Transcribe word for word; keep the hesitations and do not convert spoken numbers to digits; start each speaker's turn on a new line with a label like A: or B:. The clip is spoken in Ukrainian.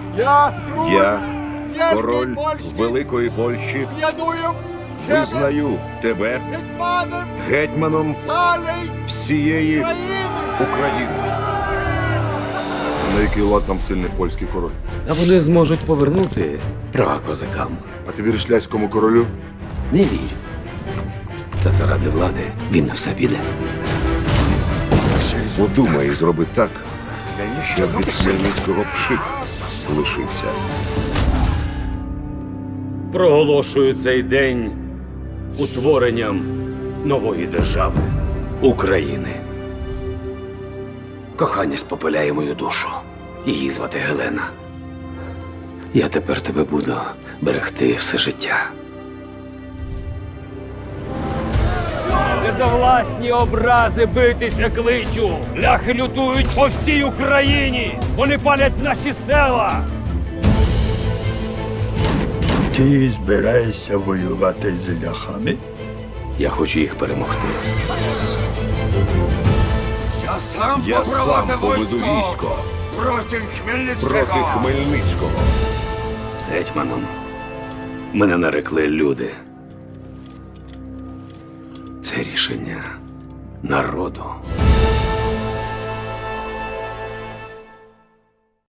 A: Я,
B: Я,
A: Євгеній
B: король
A: Польський,
B: Великої Польщі,
A: ядую
B: визнаю тебе
A: гетьманом
B: гетьманом
A: царей
B: всієї
A: країни.
B: України.
C: На який лад нам сильний польський король?
D: А вони зможуть повернути права козакам.
C: А ти віриш ляському королю?
D: Не вірю. Та заради влади він на все піде.
B: Подумай і зроби так, щоб від Хмельницького пшик лишився.
D: Проголошую цей день утворенням нової держави України. Кохання спопиляє мою душу. Її звати Гелена. Я тепер тебе буду берегти все життя. Не за власні образи битися кличу. Ляхи лютують по всій Україні. Вони палять наші села.
E: Ти збираєшся воювати з ляхами?
D: Я хочу їх перемогти.
A: Я сам
B: Я сам поведу військо
A: проти Хмельницького.
B: проти Хмельницького.
D: Гетьманом мене нарекли люди. Це рішення народу.